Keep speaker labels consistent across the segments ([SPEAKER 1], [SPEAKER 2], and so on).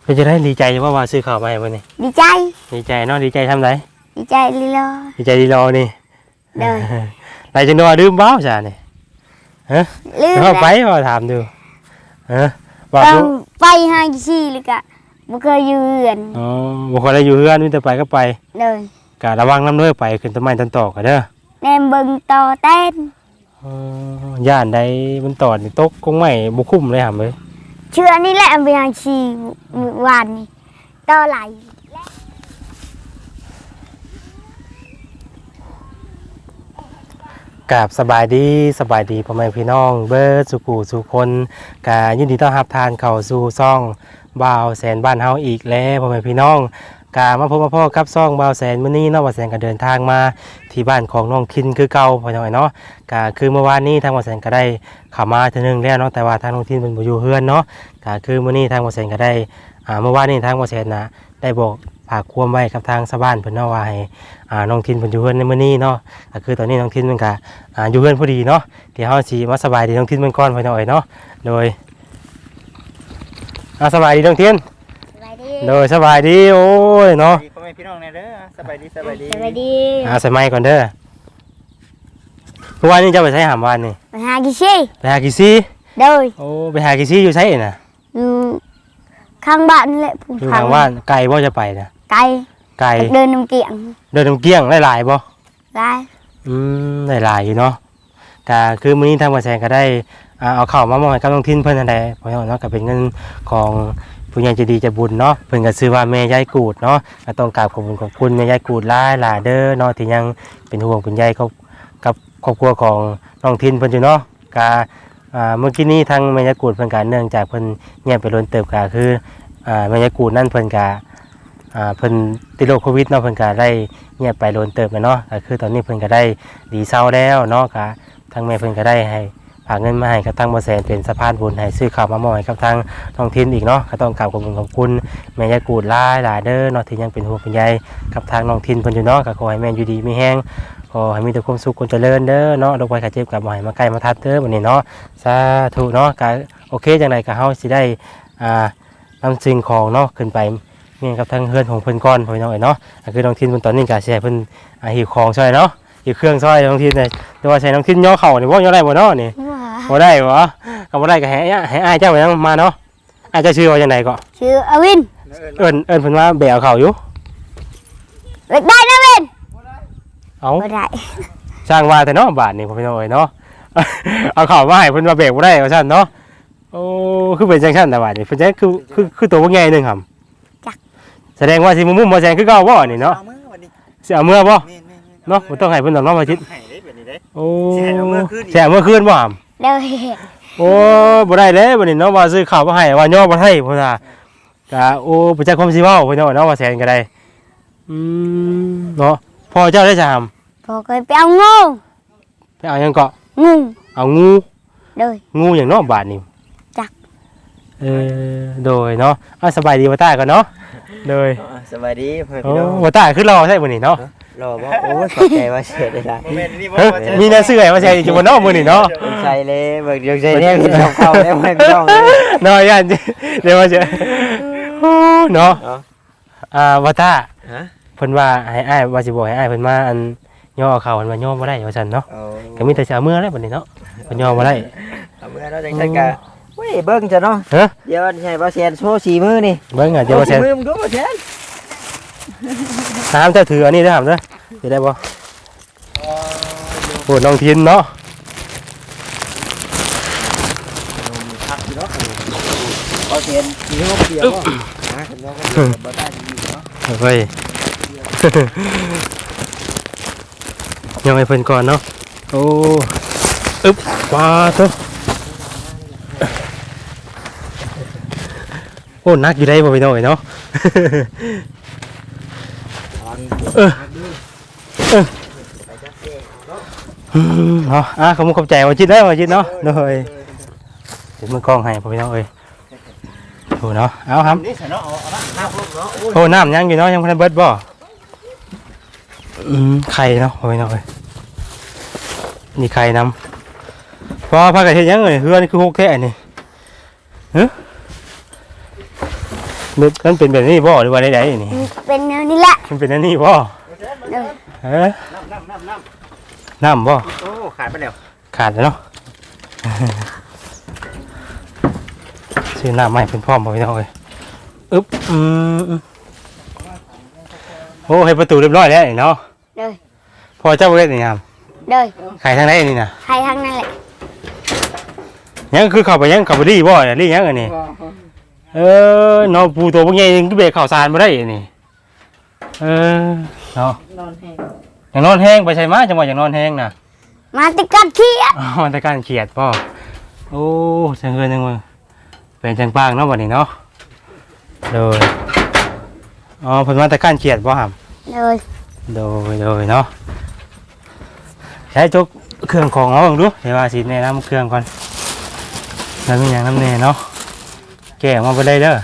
[SPEAKER 1] เป็นจะได้ดีใจว่าซื้อข้าวมาให้วันนี้
[SPEAKER 2] ดีใจ
[SPEAKER 1] เนาะดีใจทำไร
[SPEAKER 2] ดีใจลีลอ
[SPEAKER 1] ดีใจดีรอนี่
[SPEAKER 2] เด้อ
[SPEAKER 1] ไรจังโดดื่มบ้าจ้านี่ฮะเขาไปพอถามดูฮะบอก
[SPEAKER 2] ไปหาขี้เลยกะบ่เคยอยู่เฮือน
[SPEAKER 1] อ๋อบ่เคยได้อยู่เฮือนมีแต่ไปก็ไป
[SPEAKER 2] เลย
[SPEAKER 1] กะระวังน้ำด้วยไปขึ้นต้นไม้ต้นตอกกันเด้อ
[SPEAKER 2] แนมเบิ่งต่อเต้น
[SPEAKER 1] ย่านใดมันตอดนี่ตกคงไม่บ่คุ้มเลยหำเลย
[SPEAKER 2] เชื่อนี่แหละไปหาขี้วานนี่ต่อไหล
[SPEAKER 1] กับสบายดีพ่อแม่พี่น้องเบิร์ดสุกูสุคนกายินดีต้อนรับทานเข้าสู่ซ่องบ่าวแสนบ้านเฮาอีกแล้วพ่อแม่พี่น้องกามาพบมาพ่อกับซ่องบ่าวแสนมื้อนี้เนาะบ่าวแสนก็เดินทางมาที่บ้านของน้องคินคือเก่าพ่อน้อยเนาะกาคือเมื่อวานนี้ทางบ่าวแสนก็ได้เข้ามาเทื่อนึงแล้วเนาะแต่ว่าทางน้องคินเพิ่นบ่อยู่เฮือนเนาะกาคือมื้อนี้ทางบ่าวแสนก็ได้เมื่อวานนี้ทางบ่าวแสนนะได้บอกฝากความไว้กับทางชาวบ้านเพิ่นเนาะว่าให้น้องทินเพิ่นอยู่เฮือนในมื้อนี้เนาะก็คือตอนนี้น้องทินเพิ่นก็อยู่เฮือนพอดีเนาะเดี๋ยวเฮาสิมาสบายดีน้องทินเพิ่นก่อนพ่อน้อยเนาะโดยสบายดีน้องทินโดยสบายดีโอ้ยเนาะ
[SPEAKER 3] พ่อแม่พี่น้องแน่เด้อสบายดี
[SPEAKER 2] สบายดี
[SPEAKER 1] ใส่ไมค์ก่อนเด้อเมื่อวานนี้จะไปใช้หามวานนี่
[SPEAKER 2] ไปหากี่ซี่โดย
[SPEAKER 1] โอ้ไปหากี่ซี่อยู่ไสน่ะ
[SPEAKER 2] อยู่ข้างบ้านนี่แหละ
[SPEAKER 1] อยู่ข้างบ้านไกลบ่จะไปน่ะ
[SPEAKER 2] ไกลเดินน้ำเกี้ยง
[SPEAKER 1] หลายบ่
[SPEAKER 2] หลาย
[SPEAKER 1] หลายอยู่เนาะก็คือมื้อนี้ทางบ่แซงก็ได้เอาข้าวมามอบให้กับน้องทินเพิ่นนั่นแหละเพราะเนาะก็เป็นเงินของผู้ใหญ่ใจดีใจบุญเนาะเพิ่นก็ชื่อว่าแม่ยายกูดเนาะก็ต้องกราบขอบคุณแม่ยายกูดหลายๆเด้อเนาะที่ยังเป็นห่วงเป็นใยกับครอบครัวของน้องทินเพิ่นอยู่เนาะก็เมื่อกี้นี้ทางแม่ยายกูดเพิ่นก็เนื่องจากเพิ่นเงียบไปล้นเติบก็คือแม่ยายกูดนั่นเพิ่นก็เพิ่นติดโรคโควิดเนาะเพิ่นก็ได้เงียบไปโดนเติบเนาะก็คือตอนนี้เพิ่นก็ได้ดีเศร้าแล้วเนาะก็ทางแม่เพิ่นก็ได้ให้ฝากเงินมาให้กับทางบ่แสนเป็นสะพานบุญให้ซื้อข้าวมามอบให้กับทางท้องถิ่นอีกเนาะก็ต้องกราบขอบคุณแม่ยายกูดหลายเด้อเนาะที่ยังเป็นห่วงเป็นใยกับทางน้องถิ่นเพิ่นอยู่เนาะก็ขอให้แม่อยู่ดีมีแรงขอให้มีแต่ความสุขความเจริญเด้อเนาะโรคภัยไข้เจ็บก็บ่ให้มาใกล้มาทัดเด้อบัดนี้เนาะสาธุเนาะก็โอเคจังไดก็เฮาสิได้นำสิ่งของเนาะขึ้นไปนี่กับทางเฮือนของเพิ่นก้อนพ่อน้องเนาะคือน้องทินเพิ่นตอนนี้ก็แช่เพิ่นหิวของซอยเนาะหิวเครื่องซอยน้องทินเลยแต่ว่าใช้น้องทินย่อเข่านี่บ่ย่อได้บ่เนาะนี่บ่ได้บ่ก็บ่ได้ก็ให้อ้ายเจ้ายังมาเนาะอ้ายเจ้าชื่อว่าจังไดก็
[SPEAKER 2] ชื่ออวิน
[SPEAKER 1] เอิ้นเพิ่นว่าแบกเข่าอยู่
[SPEAKER 2] ได้นะวิน
[SPEAKER 1] เอา
[SPEAKER 2] บ่ได้
[SPEAKER 1] สร้างว่าแต่เนาะบาทนี่พ่อน้องเนาะเอาเข่ามาให้เพิ่นว่าแบกบ่ได้ว่าซั่นเนาะโอ้คือเป็นจังซั่นแต่บาดนี่เพิ่นจะคือตัวบ่ใหญ่นึงครับแสดงว่าสิมุ่มบ่แซงคือเก่าบ่นี่เนาะสิเอาเมื่อบ่เนาะบ่ต้องให้เพิ่นต้องเนาะมาชิดโอ้สิให้เอาเมื่อคืนบ่หำ
[SPEAKER 2] ได้
[SPEAKER 1] โอ้บ่ได้เลยบัดนี้เนาะว่าซื้อข้าวมาให้ว่าย่อบ่ให้พุ่นน่ะก็โอ้บ่จักความสิเว้าพุ่นเนาะว่าแซนก็ได้เนาะพ่อเจ้าได้จะหำ
[SPEAKER 2] พ่อเคยไปเอางู
[SPEAKER 1] ไปเอาหยังเกาะ
[SPEAKER 2] งู
[SPEAKER 1] เอางู
[SPEAKER 2] โดย
[SPEAKER 1] งูหยังเนาะบาดนี้
[SPEAKER 2] จัก
[SPEAKER 1] โดยเนาะสบายดีบ่ตาก่อนเนาะเลย
[SPEAKER 3] สบายดีเพื่อนพี่น้อง
[SPEAKER 1] ว่าตาคือรอใช่มื้อนี้เนาะ
[SPEAKER 3] รอบ่โอ้ขอบใจว่าเสียได้ล่ะ
[SPEAKER 1] มีหน้าเสื้อมาใส่อยู่บนนอกมื้อนี้เนาะ
[SPEAKER 3] ใส่เลยเบิกเดี๋ยวใส่เนี่ยพี่น้องเข้าแล้วพี่น้อง
[SPEAKER 1] เนาะย่านเดี๋ยวว่าจะเนาะว่าตาเพิ่นว่าให้อ้ายว่าสิบอกให้อ้ายเพิ่นมาอันย่อเข้าเพิ่นว่าย่อบ่ได้ว่าซั่นเนาะก็มีแต่สิเอามือแล้วบัดนี้เนาะเพิ่นย่อบ่ได้
[SPEAKER 3] เอามือแล้วจังซั่นก็เว้ยเบิ่งจ้ะเนาะเดี๋ยวให้บ่แซนโชว์4มือนี่
[SPEAKER 1] เบิ่งอ่ะเดี๋ยวบ่แซน
[SPEAKER 3] มือมึงดูบ่แซน
[SPEAKER 1] ถามเจ้าถืออันนี้ได้ถามเด้อสิได้บ่โหน้องทินเนาะ
[SPEAKER 3] บ่แซนสิเฮาเปียกบ่หาเพิ่นว่าบ่ได้อยู่เนาะ
[SPEAKER 1] เฮ้ยยังให้เพิ่นก่อนเนาะโอ้อึ๊บว้าตัวโอ้นักอยู่ได้บ่พี่น้องเนาะเนาะขอบใจว่าจิตได้ว่าจิตเนาะโดยเดี๋ยวมือกล้องให้พี่น้องเอ้ยโหเนาะเอาครับโอ้น้ำยังอยู่เนาะยังพันเบิดบ่ไข่เนาะพี่น้องเอ้ยนี่ไข่น้ำพอพักกันเฮ็ดยังเอ้ยเฮือนี่คือโอเคนี่มันเป็นแบบนี้บ่หรือว่าใดๆนี่
[SPEAKER 2] เป็นแนวนี้แหละ
[SPEAKER 1] มันเป็นอันนี้บ่
[SPEAKER 2] เด้อ
[SPEAKER 1] เอ้ยน้ำบ่
[SPEAKER 3] โอ้ขาดไปแล้ว
[SPEAKER 1] ขาดแล้วเนาะ ซื้อน้ำใหม่เป็นพร้อมบ่พี่น้องเอ้ยอึ๊บโอ้ให้ประตูเรียบร้อยแล้วนี่เนาะ
[SPEAKER 2] เด้อ
[SPEAKER 1] พอเจ้าบ่ได้นี่ครับ
[SPEAKER 2] เด้อ
[SPEAKER 1] ขายทางไหนนี่น่ะ
[SPEAKER 2] ใครทั้งนั้นแหละ
[SPEAKER 1] ยังคือเข้าไปยังเข้าไปดีบ่เนี่ยรียังอันนี้เนาะปูตัวพวกใหญ่ยังคือเบรกข้าวสารบ่ได้อันนี้เนาะ
[SPEAKER 3] นอนแห้ง
[SPEAKER 1] อย่างนอนแห้งไปใช่ไหมจังหวะอย่างนอนแห้งน่ะ
[SPEAKER 2] มาติดกันเขี้ย
[SPEAKER 1] อ๋อมันตะการเขียดป่อโอ้จังเกินจังมึงเป็นจังปางเนาะวันนี้เนาะเลยอ๋อเพิ่นมาตะการเขียดป่ะครับ
[SPEAKER 2] เด้อ
[SPEAKER 1] โดยเนาะใช้จกเครื่องของเอาลงดูเดี๋ยวว่าสิแนะนำเครื่องก่อนแล้วมีอย่างน้ำเนยเนาะแกะออกมาไปเลยเด้อ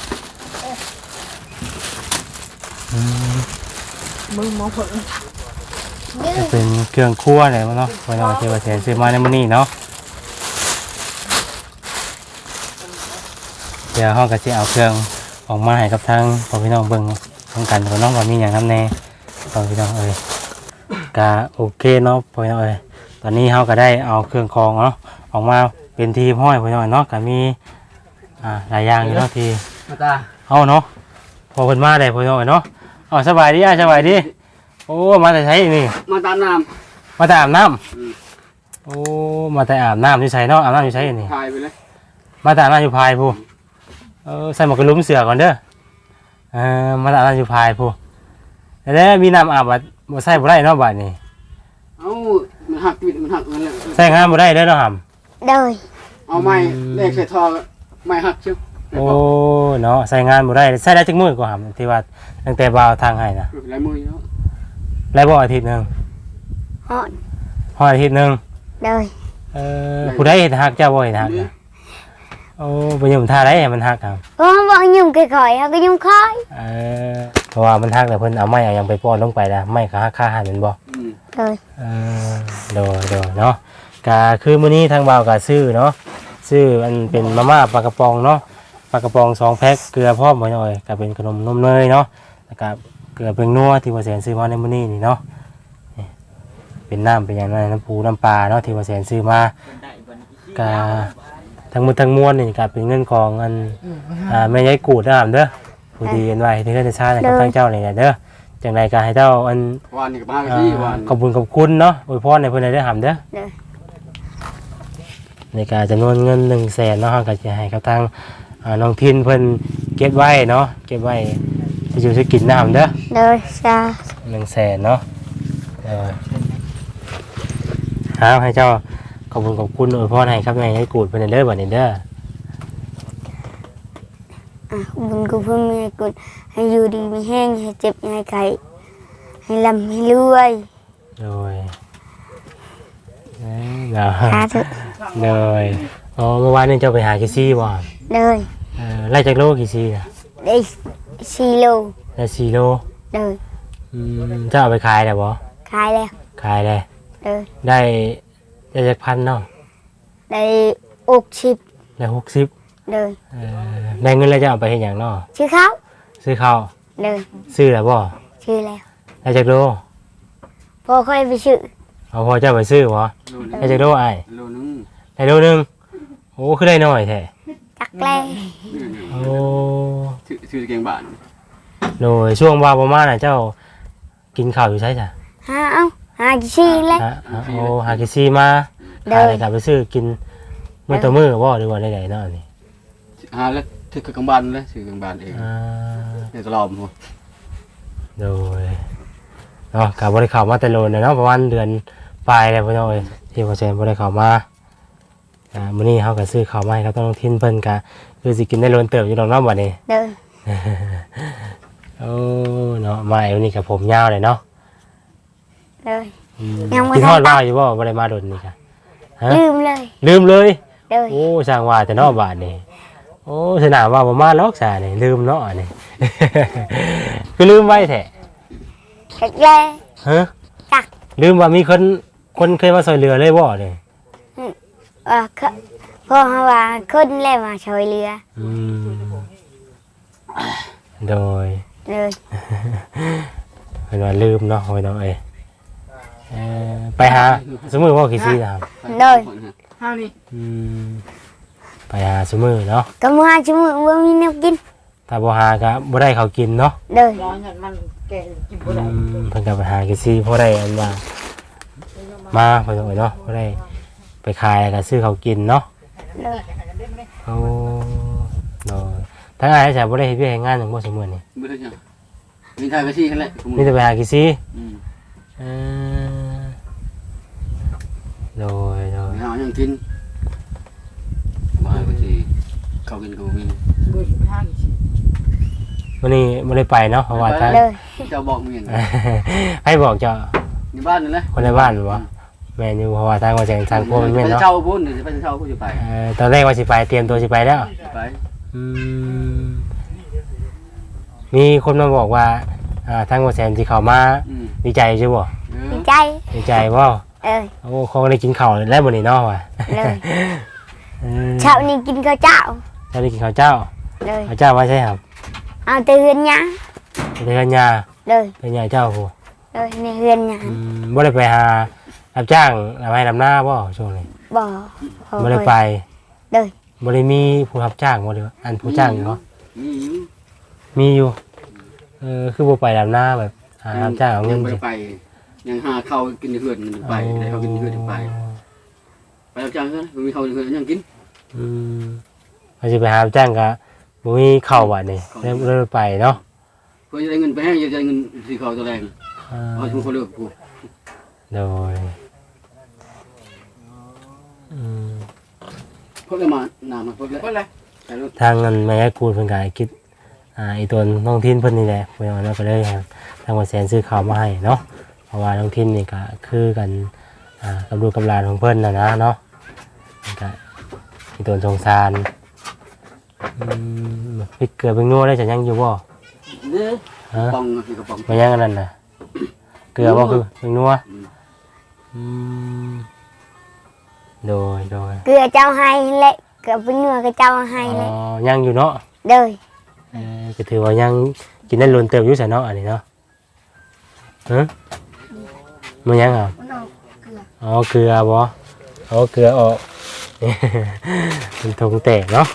[SPEAKER 3] มึงมองผล
[SPEAKER 1] จะเป็นเครื่องครัวอะไรมั้งเนาะไว้นอนเทวเสนซื้อมาในมื้อนี้เนาะเดี๋ยวห้องก็จะเอาเครื่องออกมาให้กับทางพ่อพี่น้องเบิ่งต้องกันพ่อน้องว่ามีอย่างน้ำแน่พ่อพี่น้องก็โอเคเนาะพ่อพี่น้องตอนนี้เฮาก็ได้เอาเครื่องคองเนาะออกมาเป็นทีมห้อยพ่อพี่น้องเนาะก็มีหลายอย่างอยู่เนาะที่
[SPEAKER 3] มาตา
[SPEAKER 1] เอาเนาะพอเพิ่นมาได้พ่อพี่น้องเนาะสบายดีสบายดีโอ้มาแต่ใช้นี่
[SPEAKER 3] มาตามน้
[SPEAKER 1] มาแต่อาบน้ำโอ้มาแต่อาบน้ำที่ใช้เนาะอาบน้ำที่ใช้นี่
[SPEAKER 3] ำถ่ายไปเลย
[SPEAKER 1] มาแต่อาบน้ำอยู่พายผู้ใส่หมวกกันลุ้มเสือก่อนเด้อมาแต่อาบน้ำอยู่พายผู้แล้วมีน้ำอาบบ่ใส่บ่ได้เนาะบัดนี้
[SPEAKER 3] เอ้ามันหักวิดมันหักเงินเลย
[SPEAKER 1] ใส่งานบ่ได้เด้อเนาะหำ
[SPEAKER 2] เด้อ
[SPEAKER 3] เอาไม้เลขใส่ทอไม้หักเชียว
[SPEAKER 1] โอ้เนาะใส่งานบ่ได้ใส่ได้จักมื้อก็หำที่ว่าตั้งแต่บ่าวทางให้นะ
[SPEAKER 3] ลายมือเนาะ
[SPEAKER 1] แล้วบ่อาทิตย์หนึง
[SPEAKER 2] ฮอด
[SPEAKER 1] ฮอดอาทิตย์หนึง
[SPEAKER 2] เด้อ
[SPEAKER 1] ผู้ใดเฮ็ดฮักเจ้าบ่เฮ็ดฮักนะโอ้บ่ยอมท่าได้ให้มันฮักครับ
[SPEAKER 2] เพราะว่ายุ่งค่อยๆเขาก็ยุ่งค่อย
[SPEAKER 1] เพราะว่ามันฮักแล้วเพิ่นเอาไม้เอาหยังไปป้อนลงไปแล้วไม้ก็ฮักค่าหันแม่นบ่
[SPEAKER 2] เด้อ
[SPEAKER 1] โดยเนาะก็คือมื้อนี้ทางบ่าวก็ซื้อเนาะซื้ออันเป็นมาม่าปลากระป๋องเนาะปลากระป๋อง2แพ็คเกลือพร้อมบ่หน่อยก็เป็นขนมนมเนยเนาะแล้วก็เกลือเป็นนัวที่ว่าแสนซื้อมาในมื้อนี้นี่เนาะนี่เป็นน้ำเป็นหยังนั้นน้ำปูน้ำปลาเนาะที่ว่าแสนซื้อมาก็ทั้งหมดทั้งมวลนี่ก็เป็นเงินของอันแม่ยายกูดนะครับเด้อผู้ดีกันไว้ที่เพิ่นจะชากับทางเจ้านี่แหละเด้อจังไดก็ให้เจ้าอัน
[SPEAKER 3] วันนี้กับบ้านที่วัน
[SPEAKER 1] ขอบคุณเนาะอวยพรในเพื่อนได้หำเด้อ
[SPEAKER 2] เด้อ
[SPEAKER 1] ในการจำนวนเงิน100,000เนาะก็จะให้กับทางน้องทินเพิ่นเก็บไว้เนาะเก็บไว้จะอยู่จะกินน้ำเด้อ
[SPEAKER 2] เด้อจ้า
[SPEAKER 1] 100,000เนาะให้เจ้าขอบคุณอวยพรให้ครับแม่ให้กูดเพิ่นเด้อบัดนี้เด้อ
[SPEAKER 2] บุญกูเพิ่งมีกุศให้อยู่ดีมีแห้งให้เจ็บให้ไข้ให้ลำให้รวย
[SPEAKER 1] โดยเนาะ
[SPEAKER 2] สาธุ
[SPEAKER 1] โดยเมื่อวานนี้เจ้าไปหากี่ซี่บ่
[SPEAKER 2] เด้อ
[SPEAKER 1] ไล่จากโลกี่ซี่นะ
[SPEAKER 2] ได้4 โล
[SPEAKER 1] ได้4 โล
[SPEAKER 2] เด้อ
[SPEAKER 1] เจ้าเอาไปขายได้บ่
[SPEAKER 2] ขายแล้ว
[SPEAKER 1] ขายได้
[SPEAKER 2] เด้อ
[SPEAKER 1] ได้จากพันเนาะ
[SPEAKER 2] ได้60
[SPEAKER 1] ได้60
[SPEAKER 2] เด้อ
[SPEAKER 1] ได้เงินแล้วจะเอาไปเฮ็ดหยังเนาะ
[SPEAKER 2] ชื่อเขา
[SPEAKER 1] ซื้อข้าว
[SPEAKER 2] เด้อ
[SPEAKER 1] ซื้อแล้วบ่
[SPEAKER 2] ชื่อแล้ว
[SPEAKER 1] ได้จากโล
[SPEAKER 2] พอค่อยไปชื่อ
[SPEAKER 1] เอาพอเจ้าไปซื้อบ่ได้จากโลอ้าย
[SPEAKER 3] โลนึง
[SPEAKER 1] ได้โลนึงโอ้คือได้น้อยแท้
[SPEAKER 2] จักแล้
[SPEAKER 1] โอ้
[SPEAKER 3] ชื่อเก่งบ้าน
[SPEAKER 1] โดยช่วงว่าประมาณน่ะเจ้ากินข้าวอยู่ใช่จ้ะ
[SPEAKER 2] หากี่ชีแล้ว
[SPEAKER 1] โอ้หากิซี่มาขายอะไรกลับไปซื้อกินมื้อต่อมื้อบ่หรือว่าได้ๆเนาะนี่
[SPEAKER 3] แล้วชื่อเก่งบ้านเลยชื่อเก่งบ้านเองในตลอดหัว
[SPEAKER 1] โดยเนาะกับบริข่าวมาแต่โลนเนาะประมาณเดือนปลายแล้วพี่น้องเอ้ยที่พอเซนบริข่าวมามื้อนี้เขาก็ซื้อข้าวมาให้เขาต้องทิ้นเพิ่นก็คือสิกินได้โลนเติบอยู่ดอกเนาะบัดนี้
[SPEAKER 2] เด้อ
[SPEAKER 1] โอ้เนาะมาวันนี้กับผมยาวเลยเนาะ
[SPEAKER 2] เด้อ ยังบ่
[SPEAKER 1] กิน
[SPEAKER 2] ทัน
[SPEAKER 1] ทอดว่าอยู่บ่บ่ได้มาโดนนี่ค่ะฮะ
[SPEAKER 2] ลืมเลย
[SPEAKER 1] ลืมเลย
[SPEAKER 2] เด้อ
[SPEAKER 1] โอ้สร้างว่าแต่เนาะบาดนี้โอ้สนามว่าบ่มาล็อกซะนี่ลืมเนาะนี่ คือลืมไว้แท้
[SPEAKER 2] จักแล้ว
[SPEAKER 1] ฮะ
[SPEAKER 2] จัก
[SPEAKER 1] ลืมว่ามีคนเคยมาช่วยเหลือเลยบ่นี่
[SPEAKER 2] พ่อเขาว่าคนแล้วมาช่วยเหลือ
[SPEAKER 1] อืมโดย
[SPEAKER 2] เลย
[SPEAKER 1] เพิ่นว่าลืมเนาะพี่น้องเอ้ยไปหาสมมุติว่ากี่ซี่นะครับ
[SPEAKER 2] เลย
[SPEAKER 3] เฮานี่
[SPEAKER 1] ไปหาสมือเนาะ
[SPEAKER 2] ก็มาชั่วโมงว่ามีแนวกิน
[SPEAKER 1] ถ้าบ่หาก็บ่ได้เขาวกินเนาะ
[SPEAKER 2] เลย
[SPEAKER 3] ร้อนอย่างมันแก่กินบ่ได้
[SPEAKER 1] เพิ่นก็ไปหากี่ซี่พอได้อันว่ามาไปตรงไหนเนาะบ่ได้ไปขายก็ซื้อเขาวกินเนาะ
[SPEAKER 2] เลย
[SPEAKER 1] โอ้เนาะทั้งอ้ายจะบ่ได้เฮ็ดเวียกเฮ็ดงานหยังบ่สมื้อนี้
[SPEAKER 4] ไม่ได้จ้ะมีทายไปซี่กันแหละ
[SPEAKER 1] มีแต่ไปหากี่ซี่
[SPEAKER 4] อืม
[SPEAKER 1] เออโดย
[SPEAKER 4] ไปหาอย่างกินบายไปซี่เขากินกูมี
[SPEAKER 3] บ่สิทางสิ
[SPEAKER 1] วันนี้บ่ได้ไปเนาะเพราะว่าทาง
[SPEAKER 2] เลย
[SPEAKER 4] เจ้าบอกมึงอย่าง
[SPEAKER 1] ให้บอกเจ้า
[SPEAKER 4] ในบ้านนี่แหละ
[SPEAKER 1] คนในบ้านบ่แม่นอยู่เพราะว่าทางว่าแจ้งทางพวกมันแม่น
[SPEAKER 4] ไป
[SPEAKER 1] เนาะ
[SPEAKER 4] เช่าพุ่นเดี๋ยวไปเช่ากูจะไป
[SPEAKER 1] ตอนแรกว่าสิไปเตรียมตัวสิไปแล้ว
[SPEAKER 4] ไป
[SPEAKER 1] อืมมีคนมาบอกว่าทางว่าแซนสิเข้ามา
[SPEAKER 4] อืม
[SPEAKER 1] ดีใจใช่บ่
[SPEAKER 2] ดีใจ
[SPEAKER 1] ดีใจบ่
[SPEAKER 2] เอ้ย
[SPEAKER 1] โอ้เขาได้กินข้าวแล้วมื้อนี้เนาะว่ะ
[SPEAKER 2] เลย
[SPEAKER 1] เออ
[SPEAKER 2] เช้านี้กินข้าวเจ้า
[SPEAKER 1] เจ้าได้กินข้าวเจ้า
[SPEAKER 2] เลย
[SPEAKER 1] ข้าวเจ้าว่าใช่ครับ
[SPEAKER 2] เอาแต่เฮือนหยา
[SPEAKER 1] เดือนยา
[SPEAKER 2] เลย
[SPEAKER 1] เดือนยาเจ้าผู้
[SPEAKER 2] เลยในเฮือนหยา
[SPEAKER 1] บ่ได้ไปหารับจ้างรับให้รับหน้าบ่ช่วงนี้
[SPEAKER 2] บ่
[SPEAKER 1] บ่ได้ไป
[SPEAKER 2] เลย
[SPEAKER 1] บ่ได้มีผู้รับจ้างบ่ได้อันผู้จ้างเนาะ
[SPEAKER 4] มีอยู่
[SPEAKER 1] มีอยู่คือบ่ไปรับหน้าแบบหารับจ้างเอาเงิ
[SPEAKER 4] ยั
[SPEAKER 1] น
[SPEAKER 4] ง
[SPEAKER 1] สิ
[SPEAKER 4] ไปยังหาข้าวกินในเฮือนมันไปได้ข้าวกินในเฮือนไปไปรับจ้างกันมีข้าวในเฮือนยังกิน
[SPEAKER 1] เขาสิไปหารับจ้างก็บ่มีข้าวบัดนี้เลยไปเนาะ
[SPEAKER 4] เพื่อจะได้เงินไปให้จะได้เงินสีข้าวตัวแรงเอาทุกคนเลือกกู
[SPEAKER 1] โดย
[SPEAKER 4] พวกเรามาหนามาพวกเราใช่รถ
[SPEAKER 1] ทางนั้นแม่กูเพิ่นก็คิดอีตัวน้องทินเพิ่นนี่แหละเพิ่นเอาก็เลยครับทางว่าแสนซื้อข้าวมาให้เนาะเพราะว่าน้องทินนี่ก็คือกันกับลูกกับหลานของเพิ่นน่ะนะเนาะมันก็อีตัวสงสารพริกเกลือเป็นนัวได้จะยังอยู่บ่
[SPEAKER 4] เนี่ย
[SPEAKER 1] ฮะ
[SPEAKER 4] ปองคือกระป๋อง
[SPEAKER 1] มันยังอันนั้นน่ะเกลือบ่คือเป็นนัวโดย
[SPEAKER 2] เกลือเจ้าให้เละเกลือเป็นเนื้อกับเจ้าให้เละ
[SPEAKER 1] ยังอยู่เนาะ
[SPEAKER 2] เลย
[SPEAKER 1] ก็ถือว่ายังกินได้ล้นเติมอยู่ซะเนาะอันนี้เนาะฮะมันยังอ่ะอ๋อเกลือบ่เอาเกลือออก มันทงแตกเนาะ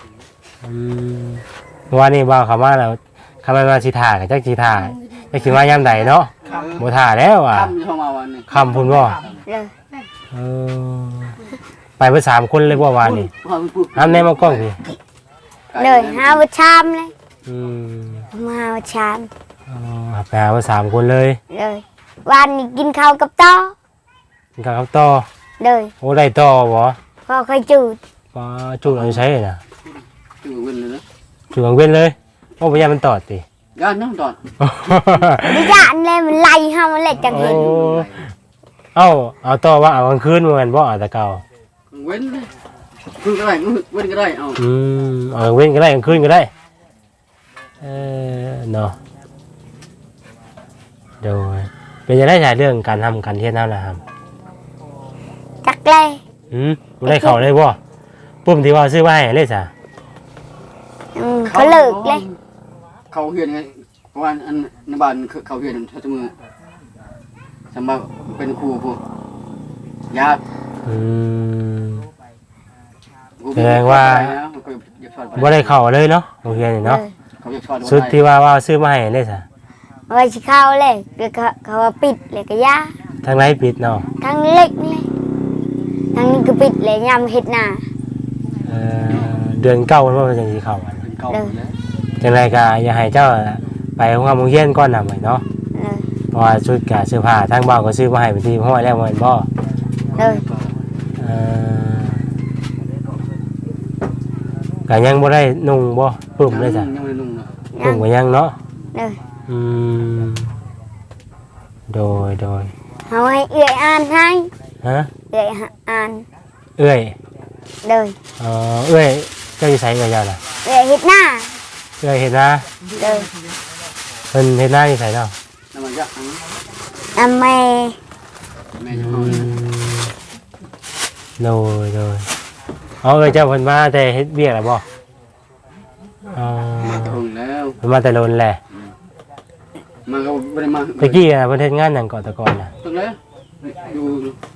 [SPEAKER 1] เมื่อวานนี้บ่าวเขามาแล้วเขามาสิถ่ากับจักสิถ่าจักสิมายามใดเนาะบ่ถ่าแล้วอ่ะ
[SPEAKER 4] ค่ำเข้ามาวันนี้
[SPEAKER 1] ค่ำพุ่นบ่
[SPEAKER 2] เลย
[SPEAKER 1] เออไปเพิ่น3คนเลยบ่วานนี่ห้ามแน่มากล้องสิ
[SPEAKER 2] เลยหาวัชามเลย
[SPEAKER 1] อืม
[SPEAKER 2] มาวัชาม
[SPEAKER 1] อ๋อไปหาเพิ่น3คนเลย
[SPEAKER 2] เลยวันนี้กินข้าวกับต้อ
[SPEAKER 1] กินข้าวกับต่อ
[SPEAKER 2] เลย
[SPEAKER 1] โอ้ได้ต่อบ่
[SPEAKER 2] พอเคยจูด
[SPEAKER 1] ป้าจุดเอาใช้น่ะ
[SPEAKER 4] ตื่นเว้นเลยนะ
[SPEAKER 1] จุดกังเว้นเลยโอ้บ่ยานมันตอดติ
[SPEAKER 4] ย่านน้องตอน
[SPEAKER 2] ดิจานเลยมันไล่ห้ามันเล็ดจังเห็น
[SPEAKER 1] เอาต่อว่าเอากลางคืนเหมือนบ่เอาแต่เก่า
[SPEAKER 4] เว้นเลยคือก็ได้เว้นก็ได้เอา
[SPEAKER 1] เอากลางเว้นก็ได้กลางคืนก็ได้เนาะเดี๋ยวเป็นจะได้ฉายเรื่องการทำการเทียนเท่านะครับ
[SPEAKER 2] จักเลย
[SPEAKER 1] บ่ได้เข้าเลยบ่ปุ่มที่ว่าซื้อไว้ให้เลยซะ
[SPEAKER 2] เขาเลิกเลย
[SPEAKER 4] เขาเฮียนไงเพราะว่าอันในบ้านเขาเฮียนทัศมือสำหรับเป็นครูผู้ญาติ
[SPEAKER 1] แสดงว่าบ่ได้เข้าเลยเนาะโรงเรียนนี่เนาะ
[SPEAKER 4] เขาอยากสอน
[SPEAKER 1] สุดที่ว่าซื้อมาให้เลยซะ
[SPEAKER 2] ไว้สิเข้าเลยเดี๋ยวเขาว่าปิดเลยก็ยา
[SPEAKER 1] ทางไหนปิดเนาะ
[SPEAKER 2] ทั้งเล็กเลยทั้งนี้ก็ปิดเลยยำเห็ดหน้า
[SPEAKER 1] เดือนเก้ามันว่าจังสิเข้าอัน
[SPEAKER 4] เป็นเก่าแล้ว
[SPEAKER 1] จังไรก็อย่าให้เจ้าไปโรงเรียนก่อนนำไว้เนาะ
[SPEAKER 2] เลย
[SPEAKER 1] เพราะว่าชุดกับเสื้อผ้าทางบ้านก็ซื้อมาให้เป็นที่ห้อยแล้วมันบ่
[SPEAKER 2] เลย
[SPEAKER 1] ก็ยังบ่ได้นุ่งบ่ปุ่มเลยจ้ะ
[SPEAKER 4] ยังไม่นุ่งนะ
[SPEAKER 1] ปุ่มก็ยังเนาะ
[SPEAKER 2] เลย
[SPEAKER 1] โดย
[SPEAKER 2] เอาให้เอื่อยอ่านให้
[SPEAKER 1] ฮะ
[SPEAKER 2] เอื่อยอ่าน
[SPEAKER 1] เอ้ย
[SPEAKER 2] เลย
[SPEAKER 1] เอ้ยเจ้าอยู่ไสกับเจ้าน่ะ
[SPEAKER 2] เอื่อยเห็ดหน้า
[SPEAKER 1] เอ้ยเฮ็ดนา
[SPEAKER 2] เลย
[SPEAKER 1] เพิ่นเฮ็ดนาอยู่ไสเนาะ
[SPEAKER 4] น้ำมันยักษ์
[SPEAKER 2] ทำไม
[SPEAKER 4] แม่จะเอา
[SPEAKER 1] โดยเอ้ยเจ้าเพิ่นมาแต่เฮ็ดเวียกแล้วบ่
[SPEAKER 4] มาถึงแล้ว
[SPEAKER 1] เพิ่นมาแต่โลนแหละ
[SPEAKER 4] มาก็บ่ได้มา
[SPEAKER 1] ตะกี้น่ะเพิ่นเฮ็ดงานหยังก่อนแต่ก่อนน่ะ
[SPEAKER 4] ตึกเลยอยู่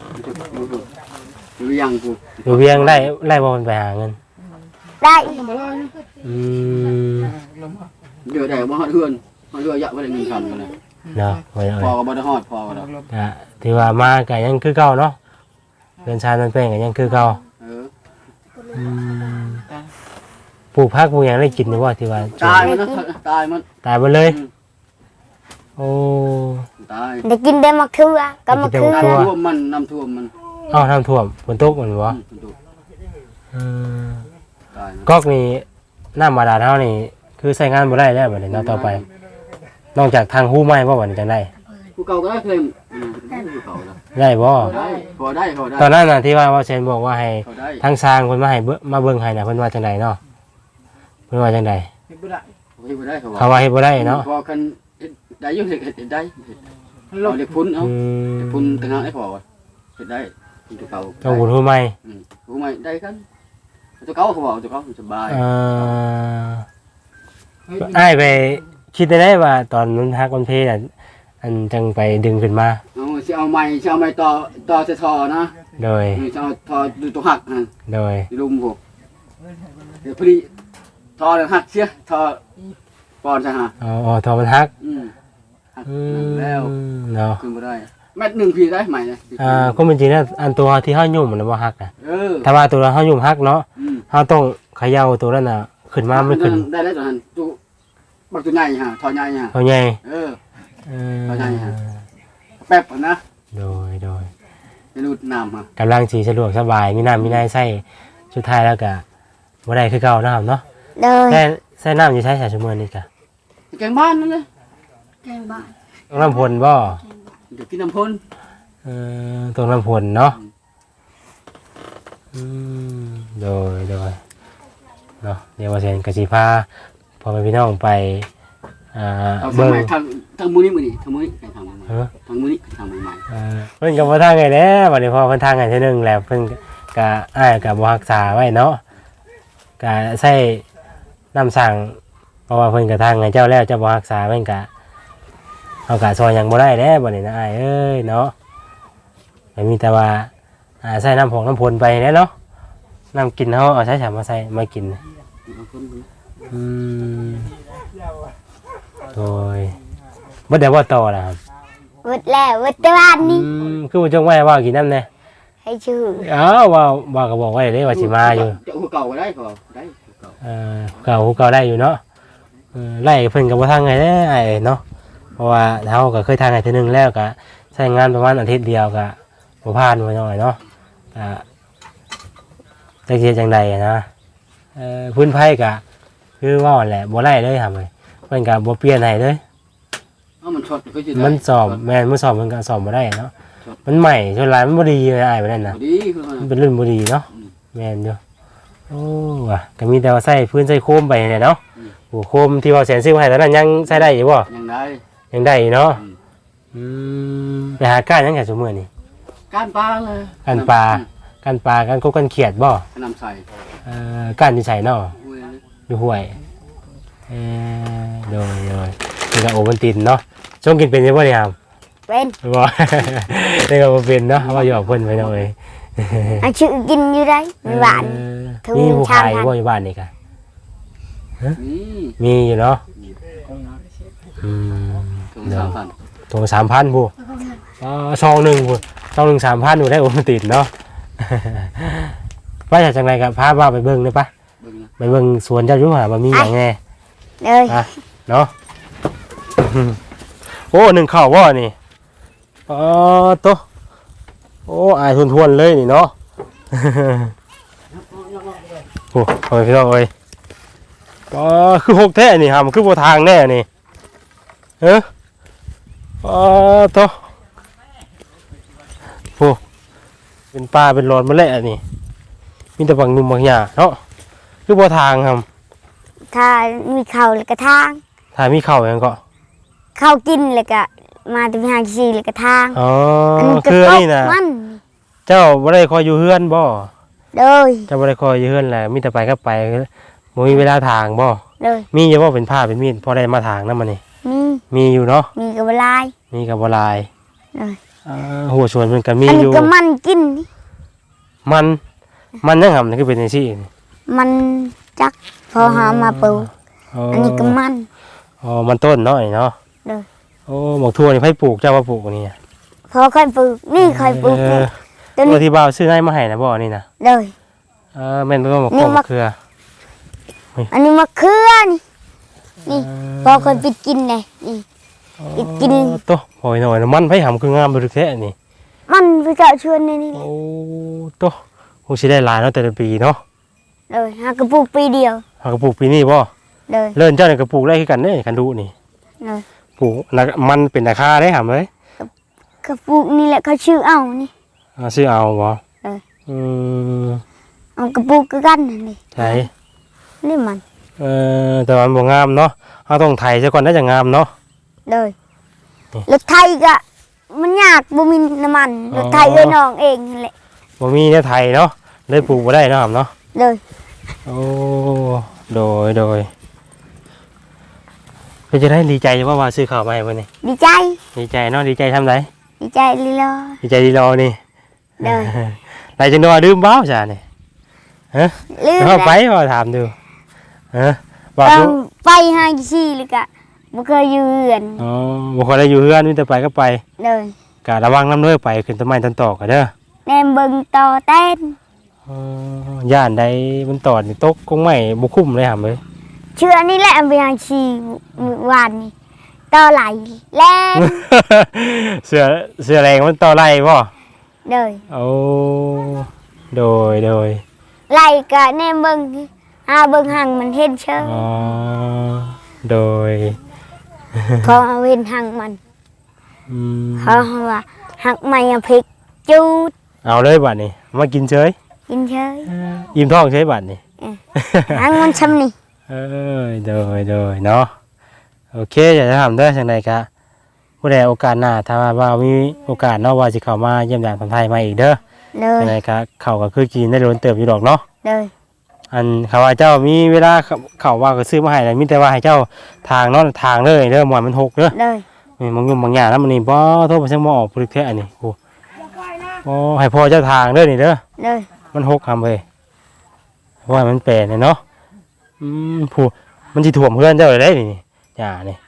[SPEAKER 4] ยังกู
[SPEAKER 1] อยู่เวียงไล่บ่เพิ่นไปหาเงิน
[SPEAKER 2] ได้
[SPEAKER 1] อืม
[SPEAKER 4] เดี๋ยวได้บ่ฮอดเฮือนฮอดเฮือนยะบ่ได้เงินคำกันเลย
[SPEAKER 1] เนาะไว้
[SPEAKER 4] พอก็บ่ได้ฮอดพอก็ดอก
[SPEAKER 1] ก็ที่ว่ามาก็ยังคือเก่าเนาะเรือนชานมันเป็นก็ยังคือเก่า
[SPEAKER 4] เออ
[SPEAKER 1] อืมปลูกผักปลูกหยังได้กินหรือว่าที่ว่า
[SPEAKER 4] ตายมันนะตายมัน
[SPEAKER 1] ตายหมดเลยโอ้
[SPEAKER 4] ตาย
[SPEAKER 2] ได้กินได้มะเขือก็มะเขือ
[SPEAKER 1] ได้กินได้มะเขือ
[SPEAKER 4] น้ำท่วมมันน้ำท่วมมัน
[SPEAKER 1] เอ้าน้ำท่วมฝนตกมันบ่
[SPEAKER 4] ถูก
[SPEAKER 1] อืม
[SPEAKER 4] ตายมัน
[SPEAKER 1] ก๊อกนี่น้ำบาดาลเฮานี่คือใช้งานบ่ได้แล้วบัดนี้เนาะต่อไป นอกจากทางหู้ไม้บ่บัดนี้จังได๋
[SPEAKER 4] ผู้เก่าก็ได้เคลมผู้เก่าแล้ว
[SPEAKER 1] ได้บ่
[SPEAKER 4] ได้พอได้พอได้
[SPEAKER 1] ตอนนั้นน่ะที่ว่าเซนบอกว่าให้
[SPEAKER 4] พอได้
[SPEAKER 1] ทางสร้างเพิ่นมาให้มาเบิ่งให้น่ะเพิ่นว่าจังไดเนาะเพิ่นว่าจังได
[SPEAKER 4] พอได้เขา
[SPEAKER 1] เขาว่าเฮ็ดบ่ได้เนาะ
[SPEAKER 4] พอกันได้ยุ่งเห็ดได้เราเด็กพุ่นเอา
[SPEAKER 1] อืม
[SPEAKER 4] เด็กพุ่นต่างหากได้พอเห็ดได้ตัวเก่า
[SPEAKER 1] ต้องบุญหู้ไม้
[SPEAKER 4] ผู้ใหม่ได้กันตัวเก่าเขาบอกตัวเก่าสบาย
[SPEAKER 1] อ้ายไปคิดได้ว่าตอนนั้นฮักวันเพลอันจังไปดึงขึ้นมา
[SPEAKER 4] เอาไม้ต่อจะทอนะ
[SPEAKER 1] โดย
[SPEAKER 4] จะเอาทอดูตัวหักนะ
[SPEAKER 1] โดย
[SPEAKER 4] ลุมผมเดี๋ยวพอดีทอหักเสียทอปอนใช่ฮะ
[SPEAKER 1] อ๋อทอมันฮัก
[SPEAKER 4] หักแล้ว
[SPEAKER 1] เนาะ
[SPEAKER 4] ขึ้นมาได้แมตหนึ่งพีได้ใหม่เลย
[SPEAKER 1] ก็เป็นจริงนะอันตัวที่เฮายุ่มมันบ่ฮักนะ
[SPEAKER 4] เ
[SPEAKER 1] ถ้าว่าตัวเฮายุ่มฮักเนาะเฮาต้องเขย่าตัวนั้นน่ะขึ้นมาไม่ขึ้น
[SPEAKER 4] ได้แล้วตัวนั้นตัวบักตัวใหญ่ฮะทอใหญ่ฮะ
[SPEAKER 1] เอาใหญ่
[SPEAKER 4] เอาใหญ่ฮะแป๊บนะ
[SPEAKER 1] โดย
[SPEAKER 4] จะรูดน้ำฮะ
[SPEAKER 1] กำลังสิสะดวกสบายมีน้ำมีในใส่สุดท้ายแล้วก็บ่ได้คือเก่านะครับเนาะ
[SPEAKER 2] เลย
[SPEAKER 1] แต่ใส่น้ำอยู่ใช้ชั่วโมงนี้ก็
[SPEAKER 4] แกงบ้านนั่นเลย
[SPEAKER 1] ต้องน้ำพลบ่
[SPEAKER 4] เดี๋ยวกินน้ำพ่น
[SPEAKER 1] ต้องน้ำพลเนาะโดยเนาะเดี๋ยวว่าเซนกสิพาพ่อแม่พี่น้องไป
[SPEAKER 4] เอาส
[SPEAKER 1] เบิ่ง
[SPEAKER 4] มัยทางมือนี่มือนี่ทางมือนี่ทางมือใหม่ทางมือนี่ทางมือใหม่
[SPEAKER 1] เพิ่นก็บ่ทางไงแหล้วบัดนี้พอเพิ่นทางไงเทื่อนึงแล้วเพิ่นก็อ้ายก็บ่รักษาไว้เนาะก็ใช้น้ำสั่งเพราะว่าเพิ่นก็ทางไงเจ้าแล้วเจ้าบ่รักษาเพิ่นก็เฮาก็ซอยหยังบ่ได้แล้วบัดนี้นะอ้ายเอ้ยเนาะก็มีแต่ว่าใส่น้ำผงน้ำพลไปแหล้วเนาะน้ำกินเฮาเอาใช้ฉามาใส่มากินโดยบ่ได้ว่าต่อล่ะครับ
[SPEAKER 2] วัดแล้ววัดตะวันนี่
[SPEAKER 1] คือบ่จงไว้ว่ากินน้ำแน่
[SPEAKER 2] ให้ชื่อ
[SPEAKER 1] อ้าวว่าก็บอกไว้เลยว่าสิมาอยู่
[SPEAKER 4] จะหัวเก่าก็ได้พอได้
[SPEAKER 1] เก่าได้อยู่เนาะไล่เพิ่นก็บ่ทางไงได้ไอ้เนาะเพราะว่าเฮาก็เคยทางไงเทื่อนึงแล้วก็ใช้งานประมาณอาทิตย์เดียวก็บ่ผ่านว่าจังไดเนาะจักสิเฮ็ดจังไดนะพื้นไผก็คือว่าแหละบ่ไล่เลยครับเพิ่นก็บ่เปลี่ยนให้เลย
[SPEAKER 4] มันช็อตก็จะ
[SPEAKER 1] มันสอบแม่นมันสอบมันก็สอบบ่ได้เนาะมันใหม่ส่วนหลายมันบ่ดีเลยอ้ายว่านั่นน่ะ
[SPEAKER 4] ดีคือ
[SPEAKER 1] มันเป็นรุ่นบ่ดีเนาะแม่นอยู่โอ้ว่ะก็มีแต่ว่าใส่พื้นใส่โคมไปเนี่ยเนาะโอ้โคมที่ว่าแสนซื้อมาให้ตอนนั้นยังใช้ได้อยู่บ่
[SPEAKER 4] ยังได้
[SPEAKER 1] ยังได้อยู่เนาะไปหาก้านยังแค่ซุมื้อนี่
[SPEAKER 4] ก้านปลาเลย
[SPEAKER 1] ก้านปลาก้านกบก้านเขียดบ่
[SPEAKER 4] น้ำใส่
[SPEAKER 1] ก้านที่ใส่เนาะ
[SPEAKER 4] อุ้ย
[SPEAKER 1] อยู่ห้วยโดยนี่ก็โอวัลตินเนาะช่วงกินเป็นอยู่บ่เนี่ยครับ
[SPEAKER 2] เป็น
[SPEAKER 1] บ่ นี่ก็บ่เป็นเนาะว่าอยู่กับเพิ่นไปเนาะเอ้ย
[SPEAKER 2] อันชื่อกินอยู่ได้มีหวาน ถึง
[SPEAKER 1] มีผู้
[SPEAKER 2] ชาม
[SPEAKER 1] ขาย
[SPEAKER 2] ทัน
[SPEAKER 1] บ่อยู่บ้านนี่กะ
[SPEAKER 4] นี่
[SPEAKER 1] มีอยู่เนาะ
[SPEAKER 4] ถึงสามพัน
[SPEAKER 1] ถุง3,000ผู้ซองหนึ่งผู้ซองหนึ่ง3,000อยู่ได้โอวัลตินเนาะ ว่าจากจังไรกับพาว่าไปเบิ่งได้ปะ
[SPEAKER 4] เบิ่งนะ
[SPEAKER 1] ไปเบิ่งสวนเจ้าอยู่หาบ่มีหยังแน่
[SPEAKER 2] เลย
[SPEAKER 1] เนาะ โอ้หนึ่งข้าวบ่นี่โตโอ้อายทวนๆเลยนี่เนาะ โอ้โหพี่น้องเอ้ยคือหกแท้นี่ฮะมันคือบ่ทางแน่นี่โตโอ้เป็นปลาเป็นหลอดมาแล้วนี่มีแต่บางหนุ่มบางหญ้าเนาะคือบ่ทางครับ
[SPEAKER 2] ถ้ามีข้าวแล้วก็ทาง
[SPEAKER 1] ถ้ามีข้าวหยังก็
[SPEAKER 2] ข้าวกินแล้วก็มาที่หาชีแล้วก็ทาง
[SPEAKER 1] อ๋อ
[SPEAKER 2] ก็
[SPEAKER 1] คือ
[SPEAKER 2] ตก
[SPEAKER 1] นี่นะ
[SPEAKER 2] มัน
[SPEAKER 1] เจ้าบ่ได้คอยอยู่เฮือนบ่
[SPEAKER 2] เลย
[SPEAKER 1] เจ้าบ่ได้คอยอยู่เฮือนแหละมีแต่ไปก็ไปมื้บ่มีเวลาทางบ่
[SPEAKER 2] เลย
[SPEAKER 1] มีอยู่บ่เป็นผ้าเป็นมีดพอได้มาทางนำมันนี่
[SPEAKER 2] มี
[SPEAKER 1] มีอยู่เนาะ
[SPEAKER 2] มีกับลาย
[SPEAKER 1] มีก็บ่หลาย
[SPEAKER 2] เลย
[SPEAKER 1] หัวสวนมันก็มี
[SPEAKER 2] อัน
[SPEAKER 1] อ
[SPEAKER 2] นี้
[SPEAKER 1] ยู่
[SPEAKER 2] ก็มันกินนี่
[SPEAKER 1] มันยังหำนี่คือเป็นจังซี่นี่
[SPEAKER 2] มันจักพอหามาปลูกอันนี้ก็มัน
[SPEAKER 1] อ๋อมันต้นเนาะนี่เนาะ
[SPEAKER 2] เลย
[SPEAKER 1] โอ้หมกทั่วนี่ไผปลูกเจ้าว่าปลูกนี่
[SPEAKER 2] พอค่อยปลูกนี่ค่อยปลูกนี่ตัว
[SPEAKER 1] ตัว
[SPEAKER 2] นี้
[SPEAKER 1] ที่บ่าวซื้อให้มาให้นะบ่นี่นะ
[SPEAKER 2] เลย
[SPEAKER 1] แม่นบ่หมก
[SPEAKER 2] นี่
[SPEAKER 1] ข้อ
[SPEAKER 2] มะ
[SPEAKER 1] มะเขือ
[SPEAKER 2] อันนี้มะเขือนี่พอค่อยไปกินเลยนี่ไปกิน
[SPEAKER 1] โตโอยหน่อยมันไผหำคืองามบ่ทึกแท้นี่
[SPEAKER 2] มันไปเจาะชวนในนี่
[SPEAKER 1] โอ้โตคงสิได้หลายเนาะแต่ละปีเนาะ
[SPEAKER 2] เลยหากระปุกปีเดียว
[SPEAKER 1] หากระปลูกปีนี้บ่
[SPEAKER 2] เลย
[SPEAKER 1] เลิ่นเจ้านี่ก็ปลูกได้คือกันเด้คันดูนี่
[SPEAKER 2] เลย
[SPEAKER 1] ปลูกมันเป็นราคาได้หำเอ้ย
[SPEAKER 2] กระปุกนี่แหละเขาชื่อเอานี่
[SPEAKER 1] ซื้อเอาบ่
[SPEAKER 2] เออ
[SPEAKER 1] อืม
[SPEAKER 2] เอากระปุกก็กันนี่
[SPEAKER 1] ใช่
[SPEAKER 2] นี่มัน
[SPEAKER 1] แต่ว่ามันบ่งามเนาะเอาต้องไถซะก่อนน่าจะงามเนาะ
[SPEAKER 2] เลย
[SPEAKER 1] นี่
[SPEAKER 2] รถไทยก็มันยากบ่มีน้ำมัน
[SPEAKER 1] อ๋อ
[SPEAKER 2] รถไทยเอ้ยน้องเองนั่นแหละ
[SPEAKER 1] บ่มีเนี่ยไถเนาะเลยปลูกบ่ได้เนาะหำเนาะ
[SPEAKER 2] เลย
[SPEAKER 1] โอ้โดยเป็นจะได้ดีใจว่าซื้อข้าวมาให้เพิ่นนี่
[SPEAKER 2] ดีใจ
[SPEAKER 1] ดีใจเนาะดีใจทำไร
[SPEAKER 2] ดีใจลีลอ
[SPEAKER 1] ดีใจดีรอนี่
[SPEAKER 2] เลย
[SPEAKER 1] ไรจังดอดื่มบ้าวจ้ะนี่ฮะ
[SPEAKER 2] ลืม
[SPEAKER 1] เอาไป
[SPEAKER 2] แล้ว
[SPEAKER 1] ว่าถามดูฮะว่า
[SPEAKER 2] ต้อ
[SPEAKER 1] ดู
[SPEAKER 2] งไปหาชีเลยกะบ่เคยอยู่เรือน
[SPEAKER 1] อ๋อบ่ค่อยได้อยู่เฮือนมีแต่ไปก็ไป
[SPEAKER 2] เลย
[SPEAKER 1] กะระวังน้ำเด้อไปขึ้นต้นไม้ต้นตอกกันเด้อ
[SPEAKER 2] แนมเบิ่งต่อเต้น
[SPEAKER 1] ย่านใดมันตอดนี่ตกคงไม่บ่คุ้มเลยหำเลย
[SPEAKER 2] เชื่อนี่แหละไปหาชีมื้อวานนี่ต่อไหลแล่น
[SPEAKER 1] เสือแรงมันต่อไล่บ่
[SPEAKER 2] เลย
[SPEAKER 1] โอ้โดย
[SPEAKER 2] ไหลกะแนมเบิ่งหาเบิ่งหังมันเห็นเชิง
[SPEAKER 1] อ๋อโดย
[SPEAKER 2] พอเอาเห็นหังมัน
[SPEAKER 1] อืม
[SPEAKER 2] เขาว่าหักไม่เอาพริกจูด
[SPEAKER 1] เอาเลยบัดนี้มากินเฉย
[SPEAKER 2] กินเฉย
[SPEAKER 1] อิ่มท้องเฉยบัดนี้
[SPEAKER 2] หังมันชำนี่
[SPEAKER 1] โดยเนาะโอเคอยากจะถามเด้อจังไดกะผู้ใดโอกาสหน้าถ้าว่ามีโอกาสเนาะว่าสิเข้ามาเยี่ยมยามคนไทยมาอีกเด้อ
[SPEAKER 2] เลย
[SPEAKER 1] จังไดกะเข้าก็คือกินได้โดนเติบอยู่ดอกเนาะ
[SPEAKER 2] เลย
[SPEAKER 1] อันเขาว่าเจ้ามีเวลาเข้าว่าก็ซื้อมาให้แล้วมีแต่ว่าให้เจ้าทางเนาะทางเลยเด้อหมอนมันหกเด้อ
[SPEAKER 2] เลย
[SPEAKER 1] มีบางยุ่งบางอย่างแล้วมันนี่บ่โทษบ่ใช่บ่ออกปรึกแท้อันนี้โอ้บ่ให้พ่อเจ้าทางเด้อนี่เด้อ
[SPEAKER 2] เลย
[SPEAKER 1] มันหกคำเลยเพราะว่ามันแปลนเนาะผู้มันสิถ่วมเพื่อนเจ้าเลยได้นี่อย่านี่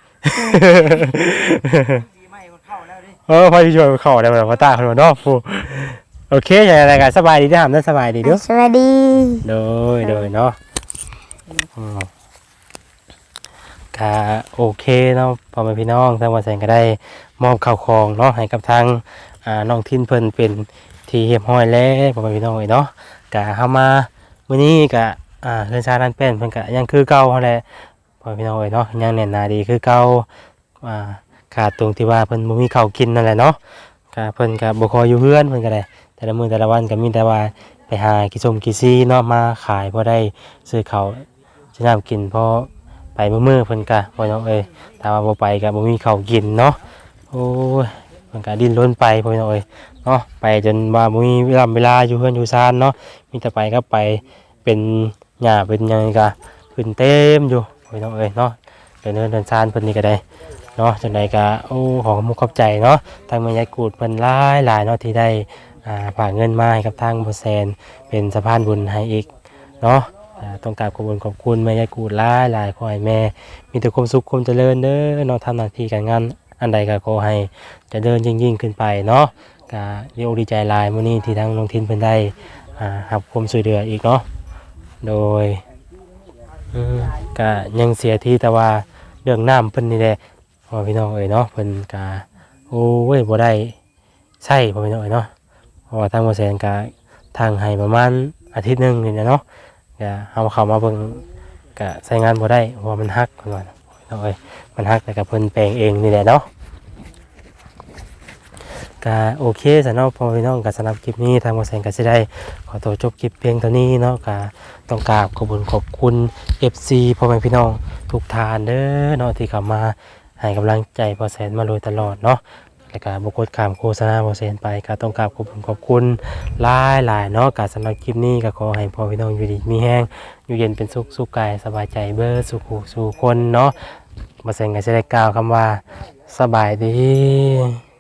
[SPEAKER 1] พอที่ช่วยเข้าได้แบบว่าตาคนเนาะผู้โอเคอย่างไรกันสบายดีนะสบายดีเด้อ
[SPEAKER 2] สวัสดี
[SPEAKER 1] โดยเนาะก็โอเคเนาะพ่อแม่พี่น้องทางวันแสงก็ได้มอบข้าวของเนาะให้กับทางน้องทินเพิ่นเป็นที่เรียบร้อยแล้วพ่อแม่พี่น้องเนาะก็เฮามามื้อนี้ก็เฮือนชาด้านแป้นเพิ่นก็ยังคือเก่าหั่นแหละพ่อแม่พี่น้องเนาะยังแน่นหนาดีคือเก่าขาดตรงที่ว่าเพิ่นบ่มีข้าวกินนั่นแหละเนาะก็เพิ่นก็บ่คอยอยู่เฮือนเพิ่นก็ได้แต่ละมื้อแต่ละวันก็มีแต่ว่าไปหากิส้มกิซีเนาะมาขายพอได้ซื้อข้าวซื้อน้ำกินพอไปมื้อเพิ่นก็พ่อน้องถ้าว่าบ่ไปก็บ่มีข้าวกินเนาะโอ้ยเพิ่นก็ดิ้นรนไปพ่อน้องเนาะไปจนว่าบ่มีเวลาอยู่เฮือนอยู่ซานเนาะมีแต่ไปก็ไปเป็นหญ้าเป็นหยังก็ขึ้นเต็มอยู่พ่อน้องเนาะเดินซานเพิ่นนี่ก็ได้เนาะจังได๋ก็โอ้ขอขอบใจเนาะทางแม่ยายกูดเพิ่นหลายเนาะที่ได้ฝากเงินมาให้กับทางบ่แซนเป็นสะพานบุญให้อีกเนาะต้องกราบขอบคุณแม่ยายกูดหลายขอให้แม่มีแต่ความสุขความเจริญเด้อเนาะทำหน้าที่การงานอันใดก็ขอให้เจริญยิ่งขึ้นไปเนาะก็ดีใจหลายมื้อนี้ที่ทางน้องทินเพิ่นได้รับความช่วยเหลืออีกเนาะโดยก็ยังเสียที่แต่ว่าเรื่องน้ำเพิ่นนี่แหละพ่อพี่น้องเนาะเพิ่นก็โอ้ยบ่ได้ใช่พ่อพี่น้องเนาะเพราะว่าทางบ่แสนก็ทางให้ประมาณอาทิตย์นึงนี่เนาะก็เอาเข้ามาเบิ่งก็ใช้งานบ่ได้เพราะว่ามันฮักเพิ่นว่าน้องมันฮักแต่ก็เพิ่นแปลงเองนี่แหละเนาะก็โอเคสำหรับพ่อพี่น้องก็สำหรับคลิปนี้ทางบ่แสนก็สิได้ขอตัวจบคลิปเพียงเท่านี้เนาะก็ต้องกราบขอบคุณ FC พ่อแม่พี่น้องทุกท่านเด้อเนาะที่เข้ามาให้กำลังใจบ่แสนมาโดยตลอดเนาะแล้วก็บ่กดข้ามโฆษณาบ่แสนไปก็ต้องกราบขอบคุณหลายเนาะก็สำหรับคลิปนี้ก็ขอให้พ่อพี่น้องอยู่ดีมีแรงอยู่เย็นเป็นสุขสุขกายสบายใจเบิดสุขสู่คนเนาะบ่แซงก็สิได้กล่าวคำว่าสบายดี